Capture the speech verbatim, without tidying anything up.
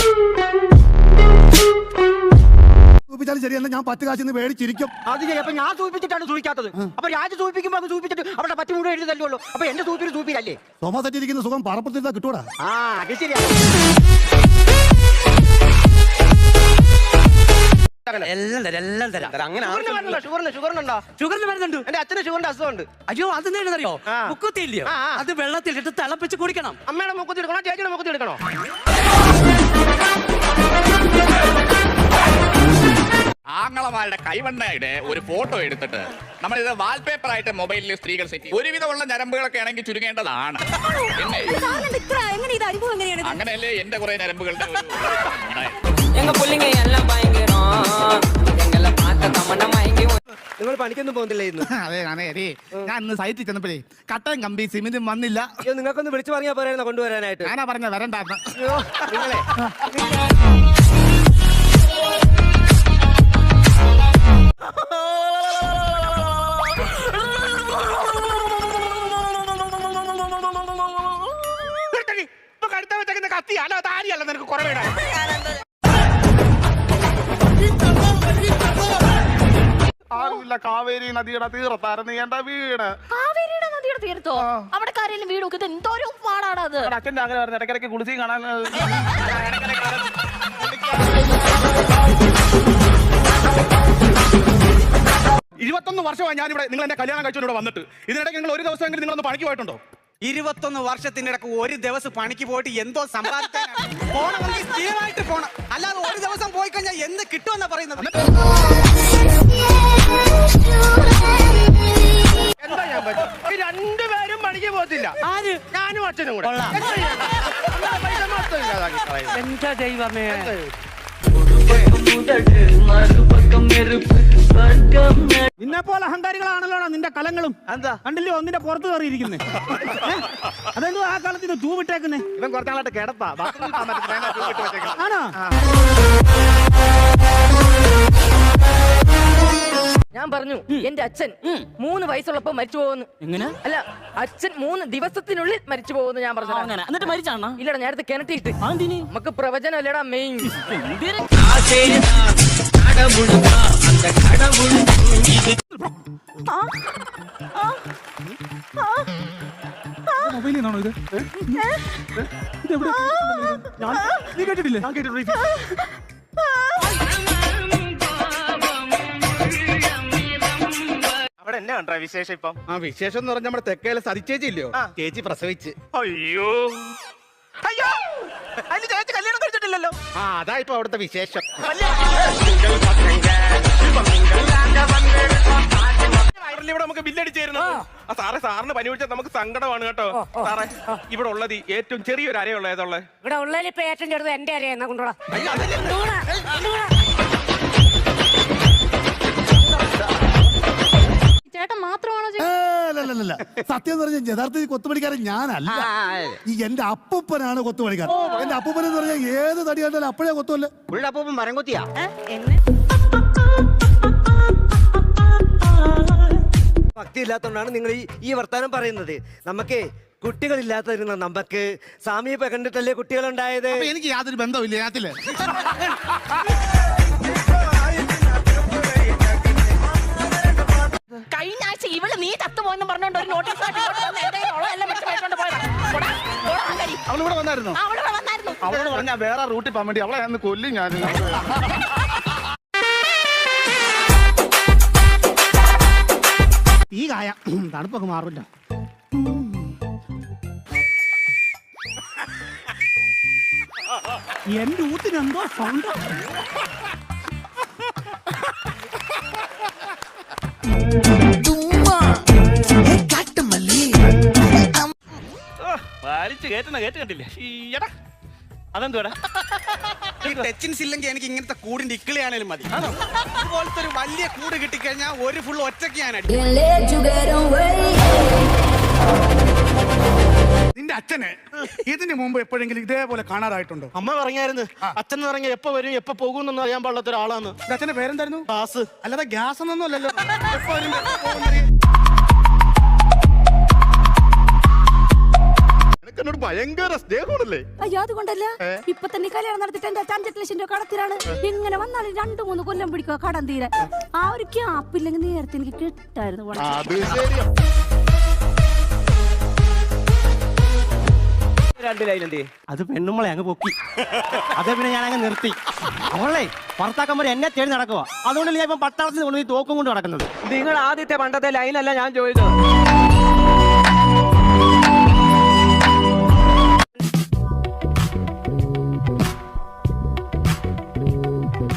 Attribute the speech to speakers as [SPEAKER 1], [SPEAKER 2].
[SPEAKER 1] ശരിയല്ല, ഞാൻ പത്ത് കാശിന്ന് മേടിച്ചിരിക്കും.
[SPEAKER 2] അത് ശരി. അപ്പൊ ഞാൻ സൂചിപ്പിച്ചിട്ടാണ് സൂചിക്കാത്തത്. അപ്പൊ രാജ് സൂചിപ്പിക്കുമ്പോ അത് സൂചിപ്പിച്ചിട്ട് അവിടെ പറ്റി മുഴുവൻ എഴുതല്ലോ. അപ്പൊ എന്റെ സൂപ്പിന് സൂപ്പിലല്ലേ
[SPEAKER 1] സോഫ സെറ്റ് ഇരിക്കുന്ന സുഖം പറപ്പത്തിരുത്താ കിട്ടൂടാ.
[SPEAKER 2] ആ അത് ശരിയാ. എന്റെ അച്ഛന് ഷുഗറിന്റെ അസുഖമുണ്ട്.
[SPEAKER 3] അയ്യോ അതെന്താണെന്നറിയോ? മുക്കുത്തില്ലയോ, അത് വെള്ളത്തിലിട്ട് തിളപ്പിച്ച് കുടിക്കണം.
[SPEAKER 2] അമ്മയുടെ മുക്കുത്തി എടുക്കണോ ചേച്ചിയുടെ മുക്കുത്തി എടുക്കണോ?
[SPEAKER 4] ആങ്ങളമാരുടെ കൈവണ്ണയുടെ ഒരു ഫോട്ടോ എടുത്തിട്ട് നമ്മളിത് വാൾപേപ്പർ ആയിട്ട് മൊബൈലിൽ സ്ത്രീകൾ സെറ്റ് ചെയ്യും. ഒരുവിധമുള്ള ഞരമ്പുകളൊക്കെ ആണെങ്കിൽ ചുരുങ്ങേണ്ടതാണ്. അങ്ങനെയല്ലേ എന്റെ കുറെ ഞരമ്പുകളുടെ
[SPEAKER 2] നിങ്ങൾ പണിക്കൊന്നും പോകുന്നില്ല ഇന്ന്?
[SPEAKER 1] അതെ അതെ അതെ, ഞാൻ ഇന്ന് സൈറ്റിൽ ചെന്നപ്പോഴേ കട്ടൻ കമ്പി സിമെന്റും വന്നില്ല.
[SPEAKER 2] നിങ്ങൾക്കൊന്ന് വിളിച്ചു പറഞ്ഞാൽ പോരായിരുന്നു കൊണ്ടുവരാനായിട്ട്.
[SPEAKER 1] ഞാനാ പറഞ്ഞ വരണ്ടായിരുന്നു.
[SPEAKER 2] നിങ്ങളെ കത്തിയല്ല താരിയല്ല നിനക്ക് കുറവേടാ.
[SPEAKER 5] ആരുമില്ല, കാവേരി നദിയുടെ തീരത്തായിരുന്നു എന്റെ വീട്.
[SPEAKER 6] കാവേരിയുടെ നദിയുടെ തീരത്തോ? അവിടെ കാര്യം വീട് നോക്കിയത് എന്തോരം പാടാണ് അത്.
[SPEAKER 5] അച്ഛൻ്റെ അങ്ങനെ പറഞ്ഞു ഇടയ്ക്കിടയ്ക്ക് കുളിച്ച് കാണാൻ. ഇരുപത്തൊന്ന് വർഷമായി ഞാനിവിടെ നിങ്ങൾ എന്റെ കല്യാണം കഴിച്ചോണ്ട് വന്നിട്ട്. ഇതിനിടയ്ക്ക് നിങ്ങൾ ഒരു ദിവസമെങ്കിലും നിങ്ങളൊന്ന് പണിക്ക് പോയിട്ടുണ്ടോ?
[SPEAKER 3] ഇരുപത്തൊന്ന് വർഷത്തിനിടക്ക് ഒരു ദിവസം പണിക്ക് പോയിട്ട് എന്തോ സമ്പാദിക്കാനാണ് പോണമെങ്കിൽ സ്ഥിരമായിട്ട് പോണം. അല്ലാതെ ഒരു ദിവസം പോയി കഴിഞ്ഞാൽ എന്ത് കിട്ടുമെന്നാ പറയുന്നത്?
[SPEAKER 2] എന്താ ഞാൻ പറ്റും? ഈ രണ്ടുപേരും പണിക്ക് പോകത്തില്ല. ആര്? ഞാനും അച്ഛനും കൂടെ.
[SPEAKER 3] എന്താ ദൈവമേ,
[SPEAKER 7] നിന്നെ പോലെ അഹങ്കാരികളാണല്ലോ നിന്റെ കലങ്ങളും.
[SPEAKER 2] എന്താ
[SPEAKER 7] കണ്ടില്ലോ ഒന്നിന്റെ പുറത്ത് കയറിയിരിക്കുന്നേ? അതെന്തോ ആ കാലത്തിന് തൂവിട്ടേക്കുന്നേ?
[SPEAKER 2] ഇവൻ കുറച്ചാളായിട്ട് കിടപ്പാ.
[SPEAKER 7] ആണോ?
[SPEAKER 6] ഞാൻ പറഞ്ഞു എന്റെ അച്ഛൻ മൂന്ന് വയസ്സുള്ളപ്പോ മരിച്ചു പോകുന്നു.
[SPEAKER 7] എങ്ങനെ?
[SPEAKER 6] അല്ല, അച്ഛൻ മൂന്ന് ദിവസത്തിനുള്ളിൽ മരിച്ചു പോകുന്നു ഞാൻ പറഞ്ഞു.
[SPEAKER 7] എന്നിട്ട് മരിച്ചാണോ?
[SPEAKER 6] ഇല്ലടാ, നേരത്തെ കിണറ്റിട്ട്. നമുക്ക് പ്രവചനം അല്ലടാ മെയിൻ.
[SPEAKER 7] മൊബൈലിനാണോ ഇത്? നീ കേട്ടിട്ടില്ലേ?
[SPEAKER 5] ഞാൻ കേട്ടിട്ടില്ല.
[SPEAKER 2] അവിടെ എന്നെ കണ്ടാ വിശേഷം ഇപ്പം?
[SPEAKER 5] ആ വിശേഷം എന്ന് പറഞ്ഞാൽ നമ്മുടെ തെക്കേലെ സരിച്ചേച്ചി ഇല്ലയോ, ചേച്ചി പ്രസവിച്ച്.
[SPEAKER 2] അയ്യോ അയ്യോ, അതിന് ചേച്ചി കല്യാണം കഴിച്ചിട്ടില്ലല്ലോ.
[SPEAKER 5] ആ അതാ ഇപ്പൊ അവിടുത്തെ വിശേഷം. ഇവിടെ നമുക്ക് ബില്ലടിച്ചായിരുന്നു. ആ സാറേ, സാറിന് പനി പിടിച്ചാൽ നമുക്ക് സങ്കടമാണ് കേട്ടോ. സാറേ, ഇവിടെ ഉള്ളത് ഏറ്റവും ചെറിയൊരു അരയുള്ള ഏതുള്ളത്?
[SPEAKER 8] ഇവിടെ ഉള്ളതിൽ ഇപ്പൊ ഏറ്റവും ചെറുത് എന്റെ അരയെന്നാ കൊണ്ടുപോടാ.
[SPEAKER 6] ചേട്ടൻ മാത്രമാണോ?
[SPEAKER 1] സത്യം പറഞ്ഞ യഥാർത്ഥത്തിൽ കൊത്തുപണിക്കാരൻ ഞാനല്ല. ഈ എന്റെ അപ്പൂപ്പനാണ് കൊത്തുപണിക്കാരൻ. എന്റെ അപ്പൂപ്പൻ എന്ന് പറഞ്ഞാൽ ഏത് തടി കണ്ടാലും അപ്പോഴേ കൊത്തുമല്ലോ.
[SPEAKER 2] പുള്ളിയുടെ അപ്പൂപ്പൻ മരം കൊത്തിയാ? ഭക്തി ഇല്ലാത്തതുകൊണ്ടാണ് നിങ്ങൾ ഈ ഈ വർത്താനം പറയുന്നത്. നമുക്ക് കുട്ടികളില്ലാത്തതിരുന്ന നമുക്ക് സാമീപ കണ്ടിട്ടല്ലേ കുട്ടികളുണ്ടായത്.
[SPEAKER 1] എനിക്ക് യാതൊരു ബന്ധമില്ല ഇതിനകത്തില്.
[SPEAKER 6] കഴിഞ്ഞ ആഴ്ച ഇവള് നീ ചത്തുപോയെന്ന് പറഞ്ഞോണ്ട് ഒരു നോട്ടീസ്
[SPEAKER 5] അവളിവിടെ വന്നായിരുന്നു.
[SPEAKER 6] വന്നായിരുന്നു.
[SPEAKER 5] അവളോട് പറഞ്ഞാൽ വേറെ റൂട്ടിൽ പോകാൻ വേണ്ടി അവളെ ഞാൻ കൊല്ലും. ഞാൻ
[SPEAKER 7] ഈ കായ തണുപ്പൊക്കെ മാറില്ല. എന്റെ ഊത്തിന് എന്തോ സൗണ്ട്.
[SPEAKER 5] വലിച്ചു കേട്ടുന്ന കേട്ട് കണ്ടില്ലേ? അതെന്തുവാടാ?
[SPEAKER 3] ടച്ചിൻസ് ഇല്ലെങ്കിൽ എനിക്ക് ഇങ്ങനത്തെ കൂടിന്റെ ഇക്കിളിയാണേലും മതി. അതുപോലത്തെ ഒരു വലിയ കൂട് കിട്ടിക്കഴിഞ്ഞാൽ ഒരു ഫുൾ ഒറ്റയ്ക്ക് ഞാൻ അടിക്കും.
[SPEAKER 1] നിന്റെ അച്ഛന് ഇതിന് മുമ്പ് എപ്പോഴെങ്കിലും ഇതേപോലെ കാണാറായിട്ടുണ്ടോ?
[SPEAKER 5] അമ്മ പറഞ്ഞായിരുന്നു അച്ഛൻ എന്ന് പറഞ്ഞാൽ എപ്പോ വരും എപ്പോ പോകുന്നൊന്നും അറിയാൻ പാടില്ലാത്ത ഒരാളാണ്.
[SPEAKER 1] അച്ഛന്റെ പേരെന്തായിരുന്നു?
[SPEAKER 5] ഗ്യാസ്.
[SPEAKER 1] അല്ലാതെ ഗ്യാസ് ഒന്നും അല്ലല്ലോ.
[SPEAKER 5] എന്നോട് ഭയങ്കര സ്നേഹമാണല്ലേ?
[SPEAKER 9] അയ്യോ അതുകൊണ്ടല്ല, ഇപ്പൊ തന്നെ കല്യാണം നടത്തിട്ട് എന്റെ അഞ്ചെട്ട് ലക്ഷം രൂപ കടത്തിലാണ്. എങ്ങനെ വന്നാലും രണ്ടു മൂന്ന് കൊല്ലം പിടിക്കുക കടം തീരാൻ. ആ ഒരു ക്യാപ്പില്ലെങ്കിൽ നേരത്തെ എനിക്ക് കിട്ടായിരുന്നു.
[SPEAKER 5] അത് ശരിയാ.
[SPEAKER 7] രണ്ട് ലൈനുണ്ട്. അത് പെണ്ണുമ്പളെ അങ്ങ് പൊക്കി. അതേ പിന്നെ ഞാൻ അങ്ങ് നിർത്തി. അവളെ ഭർത്താക്കന്മാർ എന്നെ തേടി നടക്കുക. അതുകൊണ്ട് ഞാൻ ഇപ്പം പട്ടാളത്തിൽ കൊണ്ടുപോയി തോക്കും കൊണ്ട് നടക്കുന്നത്.
[SPEAKER 2] നിങ്ങൾ ആദ്യത്തെ പണ്ടത്തെ ലൈനല്ല ഞാൻ ചോദിച്ചത്.